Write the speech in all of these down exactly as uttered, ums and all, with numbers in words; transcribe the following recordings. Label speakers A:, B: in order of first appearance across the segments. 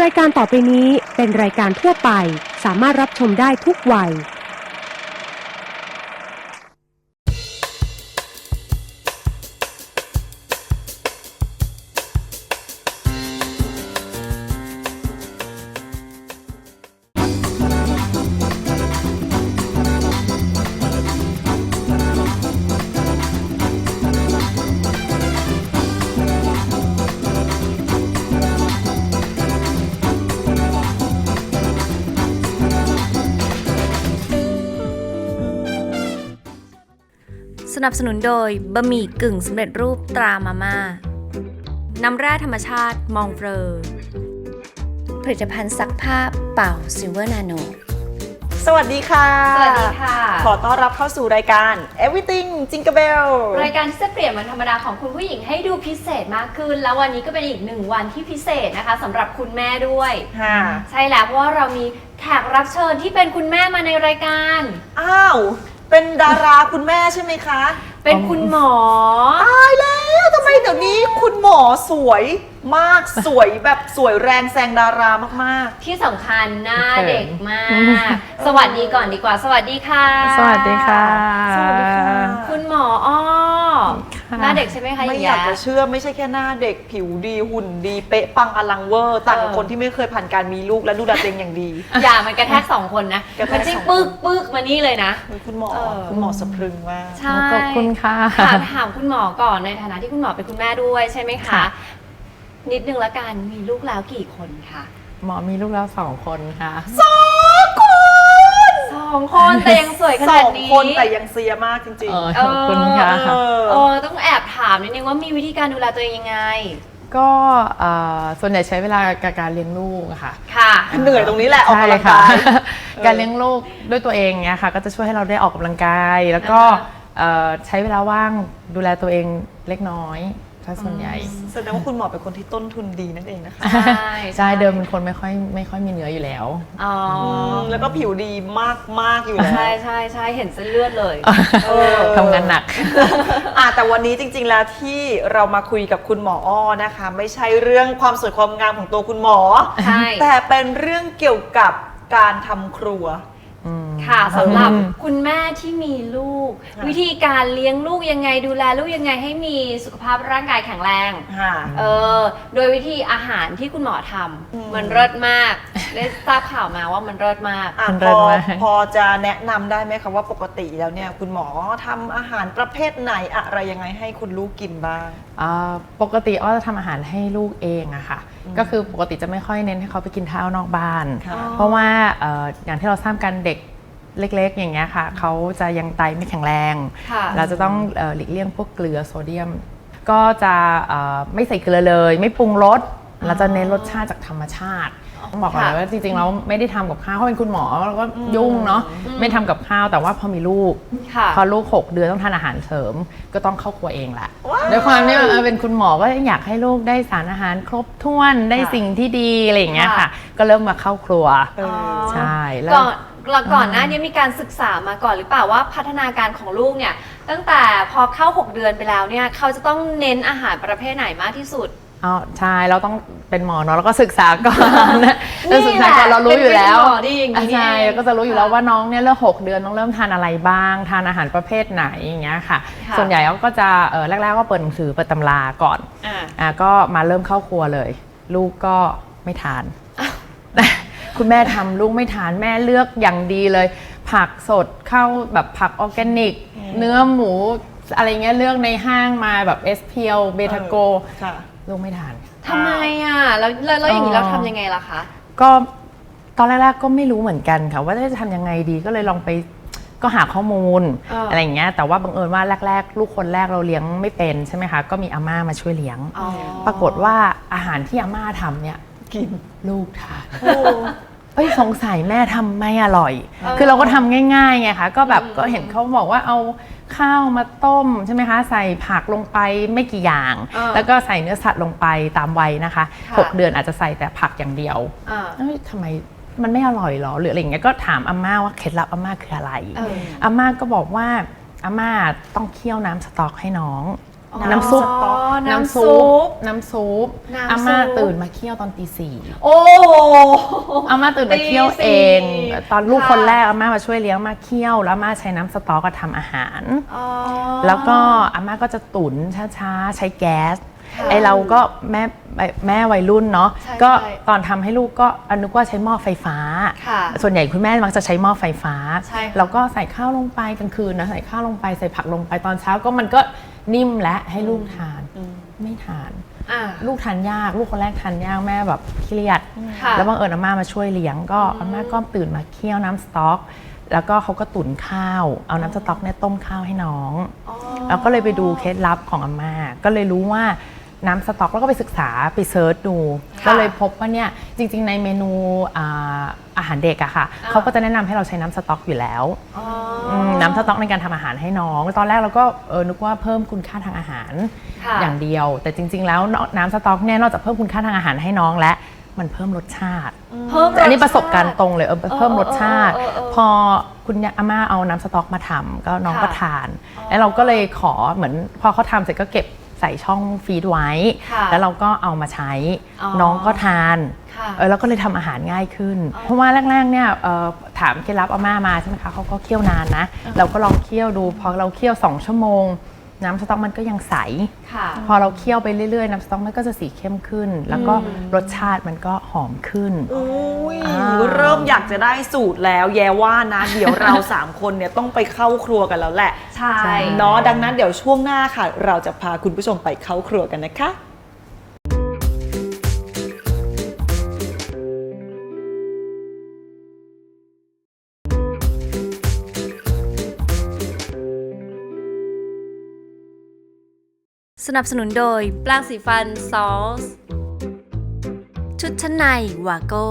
A: ายการต่อไปนี้เป็นรายการทั่วไปสามารถรับชมได้ทุกวัย
B: สนับสนุนโดยบะหมี่กึ่งสำเร็จรูปตรามาม่าน้ำแร่ธรรมชาติมองเฟอร์ผลิตภัณฑ์ซักผ้าเป่าซิลเวอร์นาโน
C: สวัสดีค่ะ
B: สวัสดีค่ะ
C: ขอต้อนรับเข้าสู่รายการ Everything Jingle Bell
B: รายการที่จะเปลี่ยนวันธรรมดาของคุณผู้หญิงให้ดูพิเศษมากขึ้นแล้ววันนี้ก็เป็นอีกหนึ่งวันที่พิเศษนะคะสำหรับคุณแม่ด้วย
C: ค่ะ
B: ใช่แล้วเพราะว่าเรามีแขกรับเชิญที่เป็นคุณแม่มาในรายการ
C: อ้าวเป็นดาราคุณแม่ใช่ไหมคะ
B: เป็นคุณหมอ
C: ตายแล้วทำไมเดี๋ยวนี้คุณหมอสวยมากสวยแบบสวยแรงแซงดารามาก
B: ๆที่สำคัญหน้าเด็กมากสวัสดีก่อนดีกว่าสวัสดีค่ะ
D: สวัสดีค่ะ
C: สวัสดีค่ะ
B: คุณหมออ้อหน้าเด็กใช่ไหมคะ
C: ไม่อยากจะเชื่อไม่ใช่แค่หน้าเด็กผิวดีหุ่นดีเป๊ะปังอลังเวอร์ต่างกับคนที่ไม่เคยผ่านการมีลูกและดูแลตัวเองอย่างดี
B: อย่ามันกระแทกสองคนนะมันจิ้งปึ๊กปึ๊กมานี่เลยนะ
C: คุณหมอคุณหมอสะพรึงมาก
B: ใช่
D: ขอบคุณค่ะ
B: ถามถามคุณหมอก่อนในฐานะที่คุณหมอเป็นคุณแม่ด้วยใช่ไหมคะนิดนึงละกันมีลูกแล้วกี่คนคะ
D: หมอมีลูกแล้วสองคนค่ะ
C: สองคน
B: สองคนแต่ยังสวยขนาดนี้
C: สองคนแต่ยังเซียมากจริง
D: ๆขอบคุณค่ะ
B: เออต้องแอบถามนิดนึงว่ามีวิธีการดูแลตัวเองยังไง
D: ก็ส่วนใหญ่ใช้เวลากับการเลี้ยงลูกค่ะ
B: ค่ะ
C: เหนื่อยตรงนี้แหละออกกำลังกาย
D: การเลี้ยงลูกด้วยตัวเองเนี่ยค่ะก็จะช่วยให้เราได้ออกกำลังกายแล้วก็ใช้เวลาว่างดูแลตัวเองเล็กน้อยถ้าส่วนใหญ่
C: แสดงว่าคุณหมอเป็นคนที่ต้นทุนดีนั่นเองนะคะ
D: ใช่ใช่เดิมเป็นคนไม่ค่อยไม่ค่อยมีเนื้ออยู่แล้ว
B: อ๋อ
C: แล้วก็ผิวดีมากมากอยู่แล้ว
B: ใช่ใช่ใช่เห็นเส้นเลือดเลย
D: ทำงานหนัก
C: อ่ะแต่วันนี้จริงๆแล้วที่เรามาคุยกับคุณหมออ้อนะคะไม่ใช่เรื่องความสวยความงามของตัวคุณหมอ
B: ใช่
C: แต่เป็นเรื่องเกี่ยวกับการทำครัว
B: ค่ะสำหรับคุณแม่ที่มีลูกวิธีการเลี้ยงลูกยังไงดูแลลูกยังไงให้มีสุขภาพร่างกายแข็งแรงเออโดยวิธีอาหารที่คุณหมอทำมันเลิศมากได้ทราบข่าวมาว่ามันเลิศมาก
C: พอพอจะแนะนำได้ไหมคะว่าปกติแล้วเนี่ยคุณหมอทำอาหารประเภทไหนอะไรยังไงให้คุณลูกกินบ้าง
D: ปกติอ้อจะทำอาหารให้ลูกเองอะค่ะก็คือปกติจะไม่ค่อยเน้นให้เขาไปกินข้าวนอกบ้านเพราะว่าอย่างที่เราทราบกันเด็กเล็กๆอย่างเงี้ยค่ะเขาจะยังไตไม่แข็งแรงเราจะต้องหลีกเลี่ยงพวกเกลือโซเดียมก็จะไม่ใส่เกลือเลยไม่ปรุงรสเราจะเน้นรสชาติจากธรรมชาติต้องบอกเลยว่าจริงๆเราไม่ได้ทำกับข้าวเพราะเป็นคุณหมอเราก็ยุ่งเนาะไม่ทำกับข้าวแต่ว่าพอมีลูกพอลูกหกเดือนต้องทานอาหารเสริมก็ต้องเข้าครัวเองแหละด้วยความที่เป็นคุณหมอก็อยากให้ลูกได้สารอาหารครบถ้วนได้สิ่งที่ดีอะไรอย่างเงี้ยค่ะก็เริ่มมาเข้าครัวใช่แล้ว
B: ก่อนก่อนหน้านี้มีการศึกษามาก่อนหรือเปล่าว่าพัฒนาการของลูกเนี่ยตั้งแต่พอเข้าหกเดือนไปแล้วเนี่ยเขาจะต้องเน้นอาหารประเภทไหนมากที่สุด
D: อ๋อใช่เราต้องเป็นหมอเนาะแล้วก็ศึกษาก่อนเราศึกษาก่อนเรารู้อยู่แล้วใช่ก็จะรู้อยู่แล้วว่าน้องเนี่ยเริ่มหกเดือนต้องเริ่มทานอะไรบ้างทานอาหารประเภทไหนอย่างเงี้ยค่ะส่วนใหญ่ก็จะแรกๆก็เปิดหนังสือเปิดตำราก่อนอ่าก็มาเริ่มเข้าครัวเลยลูกก็ไม่ทานคุณแม่ทำลูกไม่ทานแม่เลือกอย่างดีเลยผักสดเข้าแบบผักออร์แกนิกเนื้อหมูอะไรเงี้ยเลือกในห้างมาแบบเอสเพียวเบทาโกลูกไม่ทาน
B: ทำไมอ่ะแล้วแล้วอย่างนี้เราทำยังไงล่ะคะ
D: ก็ตอนแรกๆก็ไม่รู้เหมือนกันค่ะว่าจะทำยังไงดีก็เลยลองไปก็หาข้อมูล อ, อะไรอย่างเงี้ยแต่ว่าบังเอิญว่าแรกๆลูกคนแรกเราเลี้ยงไม่เป็นใช่ไหมคะก็มีอาม่ามาช่วยเลี้ยงปรากฏว่าอาหารที่อาม่าทำเนี่ยกินลูกทานเอ้ยสงสัยแม่ทำไม่อร่อยคือเราก็ทำง่ายๆไงคะก็แบบก็เห็นเขาบอกว่าเอาข้าวมาต้มใช่ไหมคะใส่ผักลงไปไม่กี่อย่างแล้วก็ใส่เนื้อสัตว์ลงไปตามวัยนะคะหกเดือนอาจจะใส่แต่ผักอย่างเดียวเอ้ยทำไมมันไม่อร่อยหรอหรืออะไรอย่างเงี้ยก็ถามอาม่าว่าเคล็ดลับอาม่าคืออะไรอาม่าก็บอกว่าอาม่าต้องเคี่ยวน้ำสต๊อกให้น้อง
B: อ๋อ
D: น้ำซุป
B: อ๋อ
D: น้ำ
B: น้ำซุ
D: ซุ
B: ป
D: ปน้ำซุป
B: น้ำซุป
D: อาม่าตื่นมาเคี่ยวตอนตีสี่
B: โอ้
D: อาม่าตื่นมาเคี่ยวเอง
B: ตีสี่
D: ตอนลูก
B: ค่ะ
D: คนแรกอาม่ามาช่วยเลี้ยงมาเคี่ยวแล้วอาม่าใช้น้ำสต๊อกก็ทำอาหาร
B: อ๋อ
D: แล้วก็อาม่าก็จะตุ๋นช้าๆ ใช้แก๊ส
B: ค่ะ
D: ไอเราก็แม่แม่วัยรุ่นเนาะ
B: ใช่
D: ก็
B: ใช่
D: ตอนทำให้ลูกก็อนึกว่าใช้หม้อไฟฟ้า
B: ค่ะ
D: ส่วนใหญ่คุณแม่มักจะใช้หม้อไฟฟ้า
B: ใช่ค่ะ
D: แล้วก็ใส่ข้าวลงไปกลางคืนนะใส่ข้าวลงไปใส่ผักลงไปตอนเช้าก็มันก็นิ่มและให้ลูกทานไม่ทาน
B: อ่า
D: ลูกทานยากลูกคนแรกทานยากแม่แบบเครียด
B: ค่ะ
D: แล้วบังเอิญอาม่ามาช่วยเลี้ยงก็อาม่าก็ตื่นมาเคี่ยวน้ำสต๊อก แล้วก็เขาก็ตุ๋นข้าว เอาน้ำสต๊อกเนี่ยต้มข้าวให้น้อง
B: อ๋อ
D: แล้วก็เลยไปดูเคล็ดลับของอาม่าก็เลยรู้ว่าน้ำสต๊อกแล้วก็ไปศึกษาไปเซิร์ชดู
B: ค่ะ
D: ก็เลยพบว่าเนี่ยจริงๆในเมนูอ่าอาหารเด็กอะค่ะ
B: อ่า
D: เขาก็จะแนะนำให้เราใช้น้ำสต๊อกอยู่แล้ว
B: อ๋อ
D: มน้ำสต๊อกในการทำอาหารให้น้อง ตอนแรกเราก็เออนึกว่าเพิ่มคุณค่าทางอาหาร
B: ค่ะ
D: อย่างเดียว แต่จริง ๆ แล้วน้ำสต๊อกเนี่ยนอกจากเพิ่มคุณค่าทางอาหารให้น้องและมันเพิ่มรสชาติ
B: เพิ่ม
D: อันนี้ประสบการณ์ตรงเลยเออเพิ่มรสชาติ
B: เออเออเออเออ
D: พอคุณอาม่าเอาน้ำสต๊อกมาทำก็น้อง
B: ค่ะ
D: ก็ทาน แล้วเราก็เลยขอเหมือนพอเขาทำเสร็จก็เก็บใส่ช่องฟีดไว้
B: ค่ะ
D: แล้วเราก็เอามาใช้
B: อ๋อ
D: น้องก็ทาน
B: ค่ะ
D: เออแล้วก็เลยทำอาหารง่ายขึ้น เพราะว่าแรกๆเนี่ยเอ่อถามเคล็ดลับอาม่ามาใช่ไหมคะเขาก็เคี่ยวนานนะ เราก็ลองเคี่ยวดูพอเราเคี่ยวสองชั่วโมง น้ำสต๊อกมันก็ยังใส
B: ค่ะ
D: พอเราเคี่ยวไปเรื่อยๆน้ำสต๊อกมันก็จะสีเข้มขึ้น แล้วก็รสชาติมันก็หอมขึ้น
C: อุ้ย
D: อ่า
C: เริ่มอยากจะได้สูตรแล้วแย่ว่านะ เดี๋ยวเรา สามคนเนี่ยต้องไปเข้าครัวกันแล้วแหละ
B: ใช่
C: เนาะดังนั้นเดี๋ยวช่วงหน้าค่ะ เราจะพาคุณผู้ชมไปเข้าครัวกันนะคะ
E: สนับสนุนโดยแปรงสีฟันซอสชุดชั้นในวาโก้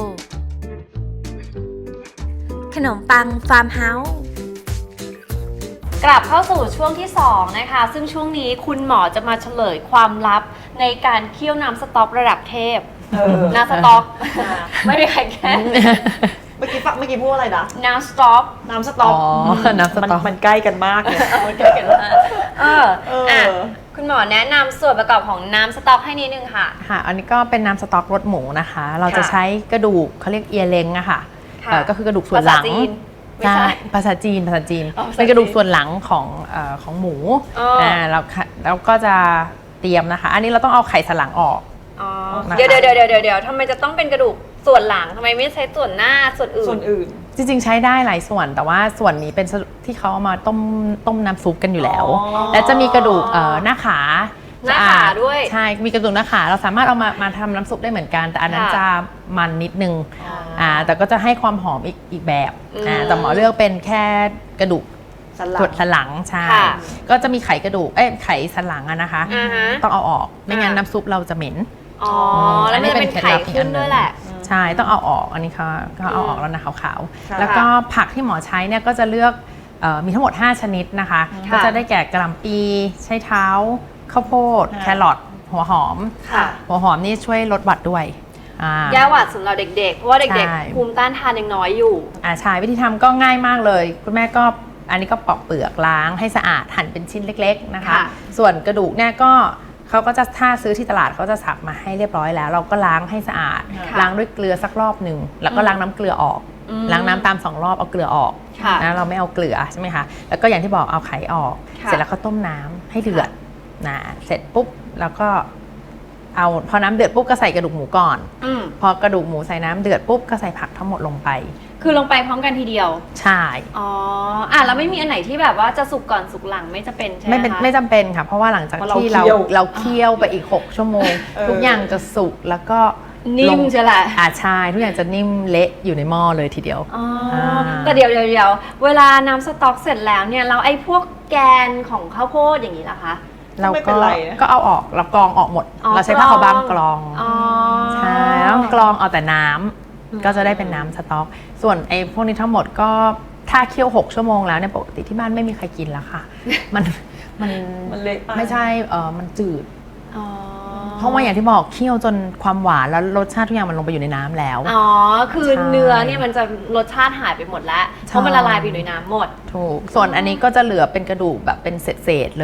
E: ขนมปังฟาร์มเฮาส์
B: กลับเข้าสู่ช่วงที่สองนะคะ ซึ่งช่วงนี้คุณหมอจะมาเฉลยความลับในการเคี่ยวน้ำสต๊อกระดับเทพ
C: เออ
B: น้ำสต๊อก ไม่มีใครแก้
C: เมื่อกี้ฟังเมื่อกี้พูดอะไรนะ
B: น้ำสต๊อก
C: น้ำสต๊อก
D: อ๋อน้ำสต๊อก
C: มันมันใกล้กันมากเลย
B: มันเกิดกันว่าเออ
C: เอออ่
B: อ่ะคุณหมอแนะนำส่วนประกอบของน้ำสต๊อกให้นิดนึงค่ะ
D: ค่ะ อันนี้ก็เป็นน้ำสต๊อกรสหมูนะคะ เราจะ
B: ค่ะ
D: ใช้กระดูกเขาเรียกเอียเล้งอะค่ะ
B: ค่ะ
D: เอ่อก็คือกระดูกส่วนหลัง
B: ภาษาจีนไม่ใช่
D: ใช่ภาษาจีนภาษาจีน
B: อ๋อภาษาจีน
D: เป็นกระดูกส่วนหลังของเอ่อของหมู
B: อ๋ออ่
D: อ่าแล้วค่ะแล้วก็จะเตรียมนะคะ อันนี้เราต้องเอาไขสันหลังออก
B: อ๋อ
D: นะคะ
B: เดี๋ยวเดี๋ยวเดี๋ยวเดี๋ยวเดี๋ยวทำไมจะต้องเป็นกระดูกส่วนหลังทำไมไม่ใช้ส่วนหน้าส่วนอื่น
C: ส่วนอื่น
D: จริงๆใช้ได้หลายส่วน แต่ว่าส่วนนี้เป็นที่เขาเอามาต้มต้มน้ำซุปกันอยู่แล้ว
C: อ๋อ
D: และจะมีกระดูกเอ่อหน้าขา
B: หน้าขา
D: สะอ
B: ด้วย
D: ใช่ มีกระดูกหน้าขาเราสามารถเอามามาทำน้ำซุปได้เหมือนกัน แต่อันนั้น
B: ค่ะ
D: จะมันนิดนึง
B: อ๋ออ่
D: ่าแต่ก็จะให้ความหอมอีกอีกแบบ
B: อืม
D: อ่าแต่หมอเลือกเป็นแค่กระดูก
C: สันหลั
D: ส่ว
C: ง
D: นสันหลังใช่
B: ค่ะ
D: ก็จะมีไขกระดูกเอ้ยไขสันหลังอะนะคะ
B: อ่าฮะ
D: ต้องเอาออกไม่งั้น
B: อ่า
D: น้ำซุปเราจะเหม็น
B: อ๋อแล้วมันจะเป็นไข่ขึ้นด้วยแหละ
D: ใช่ต้องเอาออกอันนี้เขาเขาเอาออกแล้วนะขาว
C: ค่ะ
D: ๆแล้วก็ผักที่หมอใช้เนี่ยก็จะเลือกเอ่อมีทั้งหมด ห้า ชนิดนะคะ
B: ค่ะ
D: ก็จะได้แก่กระหล่ำปีใช้เท้า ข้าวโพด
C: ค่ะ
D: แครอทหัวหอม
B: ค่ะ
D: หัวหอมนี่ช่วยลดหวัดด้วยอ่า
B: ยาหวัดสำหรับเด็กๆ เพราะว่าเด็ก
D: ใช่
B: ๆ ภูมิต้านทานยังน้อยอยู่
D: อ่าใช่วิธีทำก็ง่ายมากเลย คุณแม่ก็อันนี้ก็ปอกเปลือกล้างให้สะอาดหั่นเป็นชิ้นเล็ก ๆนะคะ
B: ค่ะ
D: ส่วนกระดูกเนี่ยก็เขาก็จะถ้าซื้อที่ตลาดเขาจะสับมาให้เรียบร้อยแล้ว เราก็ล้างให้สะอาด
B: ค่ะ
D: ล้างด้วยเกลือสักรอบหนึ่งแล้วก็ล้างน้ำเกลือออก
B: อืม
D: ล้างน้ำตามสองรอบเอาเกลือออก
B: ค่ะ
D: นะเราไม่เอาเกลือใช่ไหมคะแล้วก็อย่างที่บอกเอาไข่ออก
B: ค่ะ
D: เสร็จแล้วก็ต้มน้ำให้เดือดนะเสร็จปุ๊บแล้วก็เอาพอน้ำเดือดปุ๊บก็ใส่กระดูกหมูก่อน
B: อืม
D: พอกระดูกหมูใส่น้ำเดือดปุ๊บก็ใส่ผักทั้งหมดลงไป
B: คือลงไปพร้อมกันทีเดียว
D: ใช่
B: อ๋อ อ่ะแล้วไม่มีอันไหนที่แบบว่าจะสุกก่อนสุกหลังไม่จะเป็นใช่ไหม
D: ไม่เป็น
B: คะ
D: ไม่จำเป็นค่ะ เพราะว่าหลังจาก
C: เพราะเรา
D: ที่เรา
C: เคี่ยว
D: เราเคี่ยวไปอีก หก ชั่วโมง
C: เออ
D: ทุกอย่างจะสุกแล้วก็
B: นิ่ม
D: ลง
B: ใช่แหละ
D: อ่าใช่ทุกอย่างจะนิ่มเละอยู่ในหม้อเลยทีเดียว
B: อ๋อ
D: อ่า
B: แต่เดี๋ยวเดี๋ยวเดี๋ยวเวลาน้ำสต๊อกเสร็จแล้วเนี่ยเราไอ้พวกแกนของข้าวโพดอย่างนี้ล่ะคะ
D: เรา
C: ไม่เป็
D: ก็
C: นไรนะ
D: ก็เอาออกเรากรองออกหมด
B: อ๋อ
D: เราใช้ผ้าขาวบางกรอง
B: อ๋อ
D: ใช่แล้วกรองเอาแต่น้ำก็จะได้เป็นน้ำสต๊อก ส่วนไอ้พวกนี้ทั้งหมดก็ถ้าเคี่ยวหกชั่วโมงแล้วเนี่ยปกติที่บ้านไม่มีใครกินแล้วค่ะ มันมัน
C: มันเละไป
D: ไม่ใช่เออมันจืด
B: อ๋อ
D: เพราะว่าอย่างที่บอกเคี่ยวจนความหวานแล้วรสชาติทุกอย่างมันลงไปอยู่ในน้ำแล้ว
B: อ๋อ คือ
D: ใช่
B: เนื้อเนี่ยมันจะรสชาติหายไปหมดแล้ว เพราะมันละลายไปอยู่ในน้ำหมด
D: ถูกส่วนอันนี้ก็จะเหลือเป็นกระดูกแบบเป็นเศษๆเลย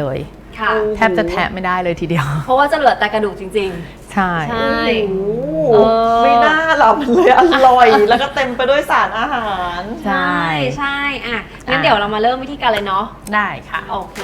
B: ค่ะ
D: แทบจะแทะไม่ได้เลยทีเดียว
B: เพราะว่าจะเหลือแต่กระดูกจริง
D: ใช่
B: ๆ ใช่
C: โอ้
B: เออ
C: ไม่น่าหรอกมันเลยอร่อย แล้วก็เต็มไปด้วยสารอาหาร
D: ใช่
B: ใช่อ่ะงั้น
D: อ่ะ
B: เดี๋ยวเรามาเริ่มวิธีการเลยเนาะ
D: ได้ค่ะ
B: โอเค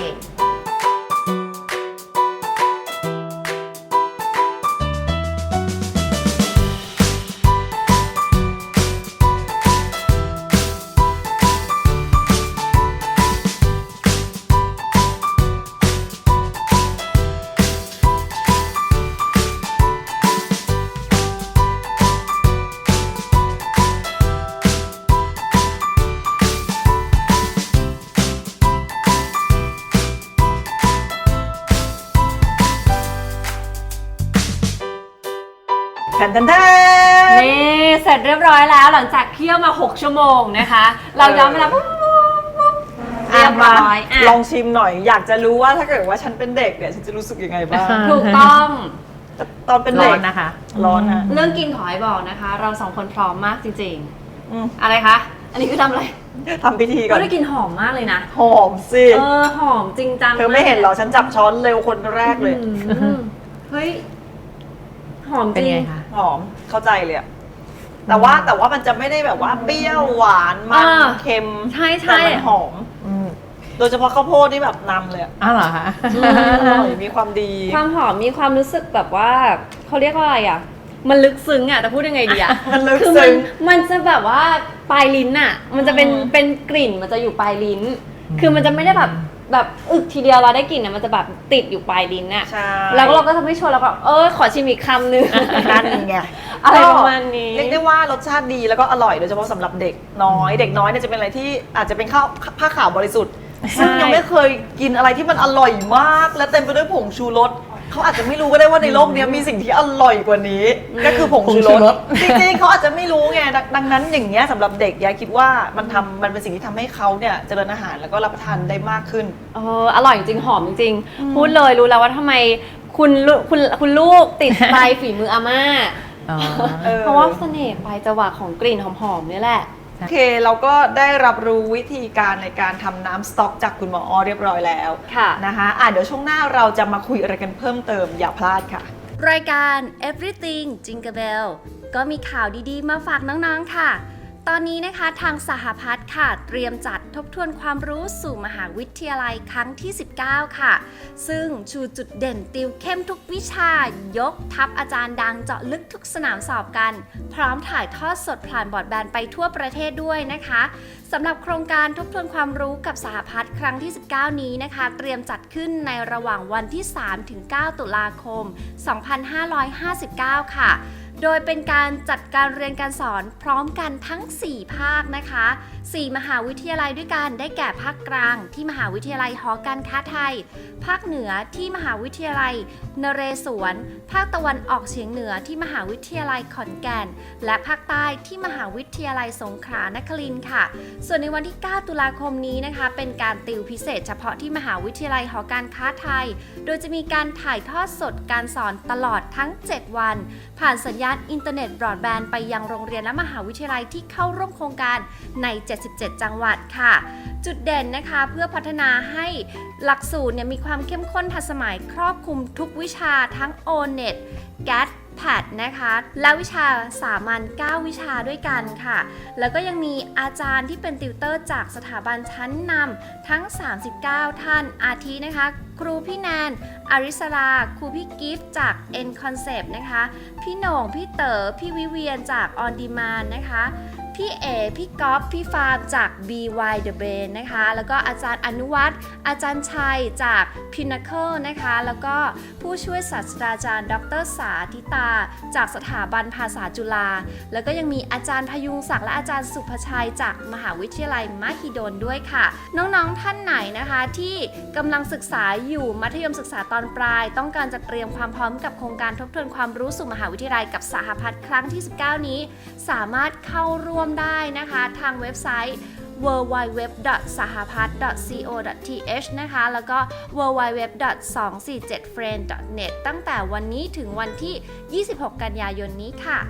C: แทนแทนแทน
B: นี่เสร็จเรียบร้อยแล้วหลังจากเคี่ยวมาหกชั่วโมงนะคะ เราย้อนเวลาปุ๊บปุ๊บปุ๊บเรียบร้อยอ่ะ
C: ลองชิมหน่อย อยากจะรู้ว่าถ้าเกิดว่าฉันเป็นเด็กเนี่ยฉันจะรู้สึกยังไงบ้าง
B: ถูกต้อง
C: ตอนเป็น
D: ร้
C: เด็
D: อก นนะคะ
C: ร้อนฮะ
B: เรื่องกินขอให้บอกนะคะ เราสองคนพร้อมมากจริง
C: อืม
B: ๆ อะไรคะ อันนี้คือทำอะไร
C: ทำพิธีก่อ
B: ก็
C: น
B: ได้กลินหอมมากเลยนะ
C: หอมสิ
B: เออหอมจริงจัง
C: เธอไม่เห็นเหรอ ฉันจับช้อนเร็วคนแรกเลย
B: อืมเฮ้ย หอม
D: เป็น
B: จริง
D: ไงคะ
C: หอมเข้าใจเลยอะแต่ว่าแต่ว่ามันจะไม่ได้แบบว่าเปรี้ยวหวานมัน
B: อ่า
C: เค็ม
B: ใช่ใช่
C: แต่มันหอม
D: อืม
C: โดยเฉพาะข้าวโพดนี่แบบนำเลยอะ
D: อ้าวเหรอคะ
C: อร่อยมีความดี
B: ความหอมมีความรู้สึกแบบว่าเขาเรียกว่าอะไรอ่ะ มันลึกซึ้งอ่ะแต่พูดยังไงดีอ่ะ
C: มันลึก
B: คือมั
C: ซึ้ง
B: มันจะแบบว่าปลายลิ้นอ่ะ มันจะเป็น
C: อืม
B: เป็นกลิ่นมันจะอยู่ปลายลิ้น คือมันจะไม่ได้แบบแบบอึกทีเดียวเราได้กลิ่นอ่ะมันจะแบบติดอยู่ปลายลิ้นอ่ะ
C: ใช่
B: แล้วเราก็ทำให้ชวนแล้วก็เออขอชิมอีกคำหนึง
C: นั่นไง
B: อะไรประมาณนี้
C: เรียกได้ว่ารสชาติดีแล้วก็อร่อยโดยเฉพาะสำหรับเด็กน้อย เด็กน้อยเนี่ยจะเป็นอะไรที่อาจจะเป็นข้าวผ้าขาวบริสุทธิ์ซึ่งยังไม่เคยกินอะไรที่มันอร่อยมาก และเต็มไปด้วยผงชูรสเขาอาจจะไม่รู้ก็ได้ว่าในโลกนี้มีสิ่งที่อร่อยกว่านี้ ก็คือผงชูร
D: ผงชูร
C: ส
D: ส
C: จริงๆเขาอาจจะไม่รู้ไงดังดังนั้นอย่างเงี้ยสำหรับเด็กยายคิดว่ามันทำมันเป็นสิ่งที่ทำให้เขาเนี่ยเจริญอาหารแล้วก็รับประทานได้มากขึ้น
B: เอออร่อยจริงหอมจริงๆพูดเลยรู้แล้วว่าทำไมคุณลูกคุณคุณลูกติดใจฝีมืออาม่า
D: อ๋อ
C: เออ
B: เพราะว่าเสน่ห์ปลายจวักของกลิ่นหอมๆนี่แหละ
C: โอเคเราก็ได้รับรู้วิธีการในการทำน้ำสต๊อกจากคุณหมออ้อเรียบร้อยแล้ว
B: ค่ะ
C: นะคะอ่ะเดี๋ยวช่วงหน้าเราจะมาคุยอะไรกันเพิ่มเติมอย่าพลาดค่ะ
E: รายการ Everything Jingle Bell ก็มีข่าวดีๆ มาฝากน้องๆ ค่ะ ตอนนี้นะคะทางสหพัฒน์ค่ะ เตรียมจัดทบทวนความรู้สู่มหาวิทยาลัยครั้งที่ สิบเก้า ค่ะ ซึ่งชูจุดเด่นติวเข้มทุกวิชายกทัพอาจารย์ดังเจาะลึกทุกสนามสอบกัน พร้อมถ่ายทอดสดผ่านบอร์ดแบนไปทั่วประเทศด้วยนะคะสำหรับโครงการทบทวนความรู้กับสหพัฒน์ครั้งที่ สิบเก้า นี้นะคะ เตรียมจัดขึ้นในระหว่างวันที่ สามถึงเก้า ตุลาคม สองพันห้าร้อยห้าสิบเก้า ค่ะ โดยเป็นการจัดการเรียนการสอนพร้อมกันทั้ง สี่ ภาคนะคะ สี่ มหาวิทยาลัยด้วยกันได้แก่ภาคกลางที่มหาวิทยาลัยหอการค้าไทย ภาคเหนือที่มหาวิทยาลัยนเรศวร ภาคตะวันออกเฉียงเหนือที่มหาวิทยาลัยขอนแก่น และภาคใต้ที่มหาวิทยาลัยสงขลานครินทร์ค่ะ ส่วนในวันที่ เก้า ตุลาคมนี้นะคะ เป็นการติวพิเศษเฉพาะที่มหาวิทยาลัยหอการค้าไทย โดยจะมีการถ่ายทอดสดการสอนตลอดทั้ง เจ็ด วัน ผ่านสัญญาณอินเทอร์เน็ตบรอดแบนด์ไปยังโรงเรียนและมหาวิทยาลัยที่เข้าร่วมโครงการใน เจ็ดสิบเจ็ด จังหวัดค่ะ จุดเด่นนะคะเพื่อพัฒนาให้หลักสูตรเนี่ยมีความเข้มข้นทันสมัยครอบคลุมทุกวิชาทั้ง โอ เน็ต แกท แพท นะคะ และวิชาสามัญ เก้า วิชาด้วยกันค่ะ แล้วก็ยังมีอาจารย์ที่เป็นติวเตอร์จากสถาบันชั้นนำทั้ง สามสิบเก้า ท่าน อาทินะคะ ครูพี่แนน อาริสราครูพี่กิฟต์จาก N Concept นะคะ พี่โหน่ง พี่เต๋อ พี่วิเวียนจาก On Demand นะคะ พี่เอ พี่ก๊อฟ พี่ฟาร์มจาก บี วาย The Brain นะคะ แล้วก็อาจารย์อนุวัฒน์อาจารย์ชัยจาก Pinnacle นะคะ แล้วก็ผู้ช่วยศาสตราจารย์ ดร.สาธิตา จากสถาบันภาษาจุฬา แล้วก็ยังมีอาจารย์พยุงศักดิ์และอาจารย์สุภชัยจากมหาวิทยาลัยมหิดลด้วยค่ะ น้องๆ ท่านไหนนะคะที่กำลังศึกษาอยู่มัธยมศึกษาตอนปลาย ต้องการจะเตรียมความพร้อมกับโครงการทบทวนความรู้สู่มหาวิทยาลัยกับสหพัฒน์ครั้งที่ สิบเก้า นี้ สามารถเข้าร่วมได้นะคะทางเว็บไซต์ ดับเบิลยู ดับเบิลยู ดับเบิลยู ดอท สหพัฒน์ ดอท ซี โอ ดอท ที เอช นะคะ แล้วก็ ดับเบิลยู ดับเบิลยู ดับเบิลยู ดอท สองสี่เจ็ด เฟรนด์ ดอท เน็ต ตั้งแต่วันนี้ถึงวันที่ ยี่สิบหก กันยายนนี้ค่ะ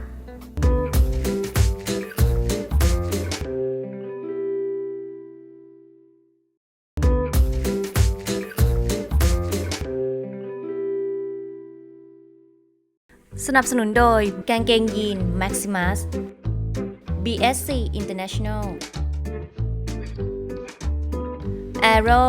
E: สนับสนุนโดยกางเกงยีน Maximus บี เอส ซี International Aero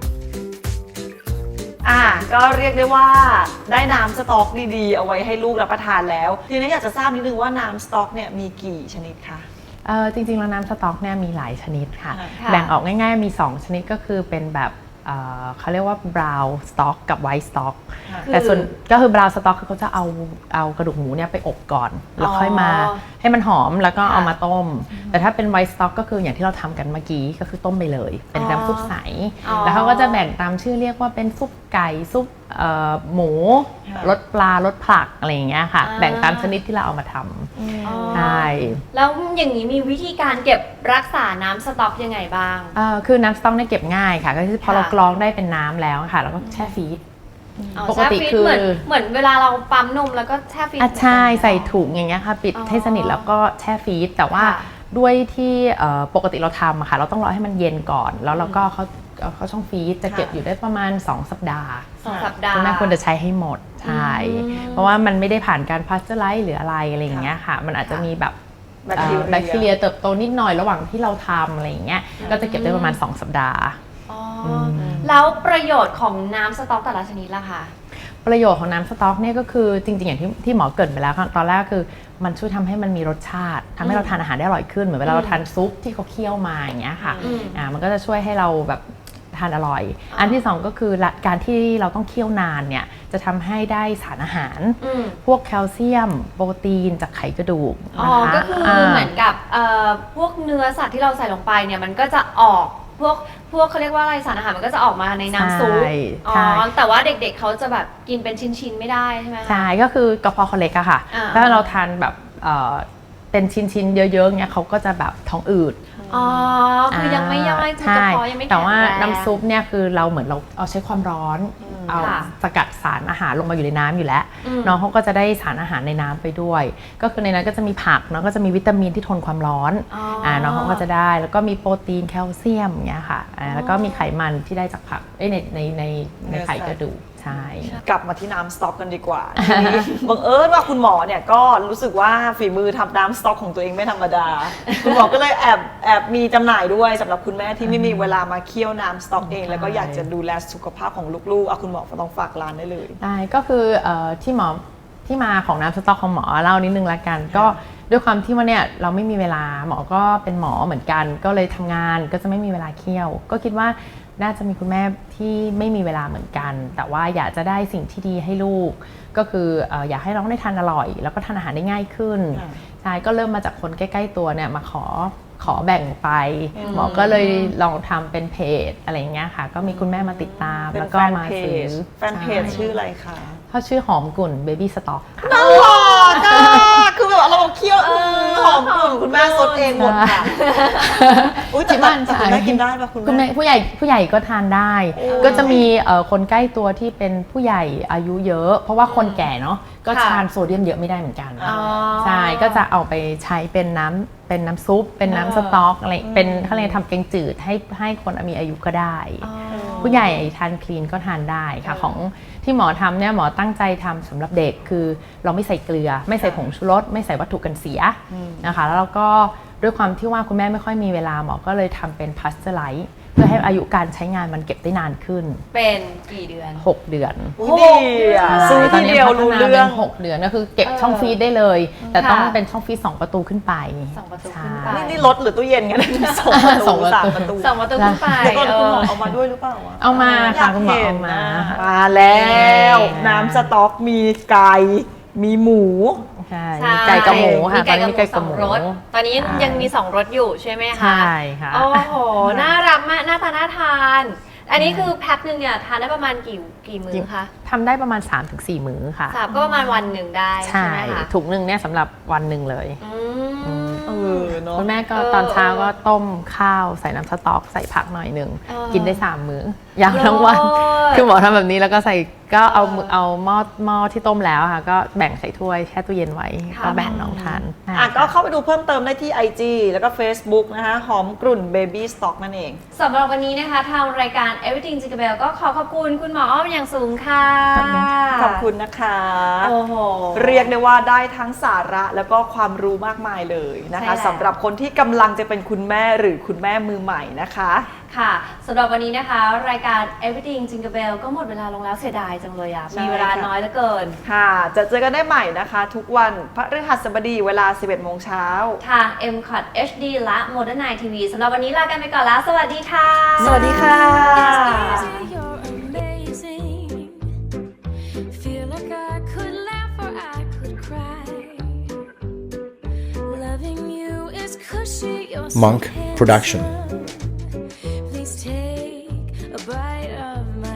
C: อ่ะก็เรียกได้ว่าได้น้ำสต๊อกดีๆเอาไว้ให้ลูกรับประทานแล้ว ทีนี้อยากจะทราบนิดนึงว่าน้ำสต๊อกเนี่ยมีกี่ชนิดคะ
D: เออจริงๆแล้วน้ำสต๊อกเนี่ยมีหลายชนิดค่ะ
B: ค่ะ
D: แบ่งออกง่ายๆมี สอง ชนิดก็คือเป็นแบบเอ่อเขาเรียกว่า brown stock กับ white stock แต่ส่วนก็คือ brown stock คือเขาจะเอาเอากระดูกหมูเนี่ยไปอบก่อน แล้วค่อยมาให้มันหอมแล้วก็เอามาต้ม แต่ถ้าเป็น white stock ก็คืออย่างที่เราทำกันเมื่อกี้ก็คือต้มไปเลย เป็นน้ำซุปใส แล้วเขาก็จะแบ่งตามชื่อเรียกว่าเป็นซุปไก่ซุปเอ่อหมูรสปลารสผักอะไรอย่างเงี้ยค่ะแบ่งตามชนิดที่เราเอามาทำใช่
B: แล้วอย่างนี้มีวิธีการเก็บรักษาน้ำสต๊อกยังไงบ้าง
D: เอ่อคือน้ำสต๊อกเนี่ยเก็บง่ายค่ะก็คือพอเรากรองได้เป็นน้ำแล้วค่ะแล้วก็แช่ฟรีซ
B: อ๋อ
D: ปกติ
B: แช่ฟรีซ
D: คือ
B: เหมือนเหมือนเวลาเราปั๊มนมแล้วก็แช่ฟรีซ
D: อ่ะใช่
B: เหมือนกัน
D: ใส่ถุงอย่างเงี้ยค่ะปิด
B: อ๋อ
D: ให้สนิทแล้วก็แช่ฟรีซแต่ว่า
B: ค่ะ
D: ด้วยที่เอ่อปกติเราทำอะค่ะเราต้องรอให้มันเย็นก่อน แล้วเราก็เขาเอาเข้าช่องฟรีซจะเก็บอยู่ได้ประมาณสองสัปดาห์
B: สองสัปดาห์
D: คุณแม่ควรจะใช้ให้หมดใช่
B: อืม
D: เพราะว่ามันไม่ได้ผ่านการพาสเจอร์ไลซ์หรืออะไรอะไรอย่างเงี้ยค่ะมันอาจจะมีแบบ
C: แบคทีเรีย
D: เอ่อแบคทีเรียเติบโตนิดหน่อยระหว่างที่เราทำอะไรอย่างเงี้ยก็จะเก็บได้ประมาณสองสัปดาห์
B: อ๋ออแล้วประโยชน์ของน้ำสต๊อกแต่ละชนิดล่ะคะ
D: ประโยชน์ของน้ำสต๊อกเนี่ยก็คือจริงๆอย่างที่ที่หมอเกริดไปแล้วค่ะตอนแรกคือมันช่วยทำให้มันมีรสชาติทำให้เราทานอาหารได้อร่อยขึ้นเหมือนเวลาเราทานซุปที่เขาเคี่ยวมาอย่างเงี้ยค่ะ
B: อืม
D: อ่ามันก็จะช่วยให้เราแบบทานอร่อย อันที่สองก็คือละการที่เราต้องเคี่ยวนานเนี่ยจะทำให้ได้สารอาหาร
B: อืม
D: พวกแคลเซียม โปรตีนจากไขกระดูก
B: อ๋อ
D: นะคะ
B: ก็คืออา เหมือนกับเอ่อพวกเนื้อสัตว์ที่เราใส่ลงไปเนี่ยมันก็จะออกพวกพวกเขาเรียกว่าอะไรสารอาหารมันก็จะออกมาในน้ำซุป
D: ใช่
B: อ๋อ
D: ใช่
B: แต่ว่าเด็กๆเขาจะแบบกินเป็นชิ้นๆไม่ได้ใช่ไหมคะ
D: ใช่ก็คือกระเพาะเขาเล็กอะค่ะ
B: อ่า
D: ถ้าเราทานแบบเอ่อเป็นชิ้นๆ เยอะๆเนี่ยเขาก็จะแบบท้องอืด
B: อ๋อคือยังไม่ย่อยคือกระเพาะยังไม่แข็งแรง
D: แต่ว่าน้ำซุปเนี่ยคือเราเหมือนเราเอาใช้ความร้อน เอา
B: ค่ะ
D: สกัดสารอาหารลงมาอยู่ในน้ำอยู่แล้ว
B: อืม
D: น้องเขาก็จะได้สารอาหารในน้ำไปด้วย ก็คือในนั้นก็จะมีผักเนาะก็จะมีวิตามินที่ทนความร้อน
B: อ๋ออ่
D: าน้องเขาก็จะได้แล้วก็มีโปรตีนแคลเซียมอย่างเงี้ยค่ะอ่าแล้วก็มีไขมันที่ได้จากผักเอ้ยในในในในไข่กระดูกใช่
C: กลับมาที่น้ำสต๊อกกันดีกว่าทีนี้ บังเอิญว่าคุณหมอเนี่ยก็รู้สึกว่าฝีมือทำน้ำสต๊อกของตัวเองไม่ธรรมดา คุณหมอก็เลยแอบแอบมีจำหน่ายด้วยสำหรับคุณแม่ที่ไม่มีเวลามาเคี่ยวน้ำสต๊อกเอง แล้วก็อยากจะดูแลสุขภาพของลูกๆเอาคุณหมอก็ต้องฝากร้านได้เลย
D: ได้ก็คือเอ่อที่หมอที่มาของน้ำสต๊อกของหมอเล่านิดนึงละกัน ก็ด้วยความที่ว่าเนี่ยเราไม่มีเวลาหมอก็เป็นหมอเหมือนกัน ก็เลยทำงานก็จะไม่มีเวลาเคี่ยว ก็คิดว่าน่าจะมีคุณแม่ที่ไม่มีเวลาเหมือนกัน แต่ว่าอยากจะได้สิ่งที่ดีให้ลูก ก็คือเอ่ออยากให้น้องได้ทานอร่อย แล้วก็ทานอาหารได้ง่ายขึ้น
C: ค่ะ
D: ใช่ก็เริ่มมาจากคนใกล้ๆตัวเนี่ยมาขอขอแบ่งไป หมอก็เลยลองทำเป็นเพจอะไรอย่างเงี้ยค่ะก็มีคุณแม่มาติดตาม
C: เป็น
D: แล้วก็
C: แฟน
D: มา
C: เพ
D: ซื้อ
C: จแฟนเพจ
D: ใช่
C: ชื่ออะไรคะ
D: เขาชื่อหอมกุ่นเบบี้สต็อกค่ะ
C: น่ารักอ่ะคือแบบเราเคี่ยวหอมกลุ่นคุณแม่ซดเองหมดค่ะอุ้ยแต่
D: ที่บ้าน
C: แต่คุณแม่กินได้ปะคุณ
D: คุณแม่
C: แม่
D: ผู้ใหญ่ผู้ใหญ่ก็ทานได้ ก็จะมีเอ่อคนใกล้ตัวที่เป็นผู้ใหญ่อายุเยอะ เพราะว่าคนแก่เนาะก็
B: ค่ะ
D: ทานโซเดียมเยอะไม่ได้เหมือนกัน
B: อ๋อ
D: ใช่ก็จะเอาไปใช้เป็นน้ำเป็นน้ำซุป เป็นน้ำสต๊อกอะไรเป็นเขาเรียกทำแกงจืดให้ให้คนมีอายุก็ได้ ผู้ใหญ่ทานคลีนก็ทานได้ค่ะของที่หมอทำเนี่ยหมอตั้งใจทำสำหรับเด็กคือเราไม่ใส่เกลือ ไม่ใส่ผงชูรสไม่ใส่วัตถุกันเสียนะคะแล้วเราก็ด้วยความที่ว่าคุณแม่ไม่ค่อยมีเวลาหมอก็เลยทำเป็นพาสเจอร์ไลซ์เพื่อให้อายุการใช้งานมันเก็บได้นานขึ้น
B: เป็นกี่เดือน
D: หกเดือน
C: อุ๊ยดีอ่ะซื้อทีเดียวรู้เรื่อง
D: ตนนี้พัฒนาป็นหกเดือนก็คือเก็บ
B: เออ
D: ช่องฟรีซได้เลย แต่ต้อง
B: ค่ะ
D: เป็นช่องฟรีซสองประตูขึ้นไป
B: สองประตูขึ้นไป
D: ใช่
C: นี่นี่รถหรือตู้เย็นกันสองประ
D: สอ
C: ตู
D: งประตู
C: สามประตู
B: สองประตูขึ้นไป
C: เดี๋ยวก่อน
B: เอ
C: คุณหม
B: อ
C: อเอามาด้วยหรือเปล่าวะ
D: เอามาค่ะคุณหมอ
C: อยกห็
D: เอา
C: น
D: มา
C: นะมาแล้ว
D: แน่
C: น้ำสต๊อกมีไก่มีหมู
D: ใช่
B: ใช่
D: มีไก่กับหมูค่ะ
B: มีไก่
D: ตอนนี้มีไก่
B: ส
D: กับ
B: อง
D: หมู
B: รสตอนนี้ยัง
D: ใช่
B: ยังมีสองรสอยู่ใช่ไหมคะ
D: ใช่ค่ะ
B: โอ้โห น่ารักมาก หน้าตาน่าทาน อันนี้คือแพ็คหนึ่งเนี่ยทานได้ประมาณกี่กี่มื้อคะ
D: ทำได้ประมาณ สามถึงสี่ มื้อค่ะ
B: สามก็ประมาณวันหนึ่งได้ใช่
D: ใช่
B: ไหมคะ
D: ถุงหนึ่งเนี่ยสำหรับวันหนึ่งเลย
B: อืม
C: เออเนาะ
D: คุณแม่ก็
B: เออ
D: ตอนเช้าก็ต้มข้าวใส่น้ำสต๊อกใส่ผักหน่อยหนึ่ง
B: เออ
D: กินได้สามมื้อยาวทั้งวัน
B: โอ้ย
D: คือหมอทำแบบนี้แล้วก็ใส่ก็เอามือเอาหม้อหม้อที่ต้มแล้วค่ะก็แบ่งใส่ถ้วยแช่ตู้เย็นไว้ก็แบ่งน้องทาน
C: อ่ะก็เข้าไปดูเพิ่มเติมได้ที่ ไอ จี แล้วก็ Facebook นะคะหอมกลุ่น Baby Stock นั่นเอง
B: สำหรับวันนี้นะคะทางรายการ Everything Jingle Bell ก็ขอขอบคุณคุณหมออ้อมอย่างสูงค่ะ
C: ขอบคุณนะคะ
B: โอ้โห
C: เรียกได้ว่าได้ทั้งสาระแล้วก็ความรู้มากมายเลยนะ
B: ใช่
C: คะ
B: แล้ว
C: สำหรับคนที่กำลังจะเป็นคุณแม่หรือคุณแม่มือใหม่นะคะ
B: ค่ะสำหรับวันนี้นะคะรายการ Everything Jingle Bell ก็หมดเวลาลงแล้วเสียดายจังเลยอ่ะ
C: ใช่
B: มีเวลา
C: ค่ะ
B: น้อยเหลือเกิน
C: ค่ะ จะเจอกันได้ใหม่นะคะ ทุกวันพฤหัสบดีเวลา สิบเอ็ดโมงเช้า
B: ทาง เอ็ม คอท เอช ดี และ Modern Night ที วี สำหรับวันนี้ลากันไปก่อนแล้ว สวัสดีค่ะ
C: สวัสดีค่ะ
F: You're amazing. Feel like I could laugh or I could cry. Loving you is cushy. You're so
G: Monk Production.
F: handsome.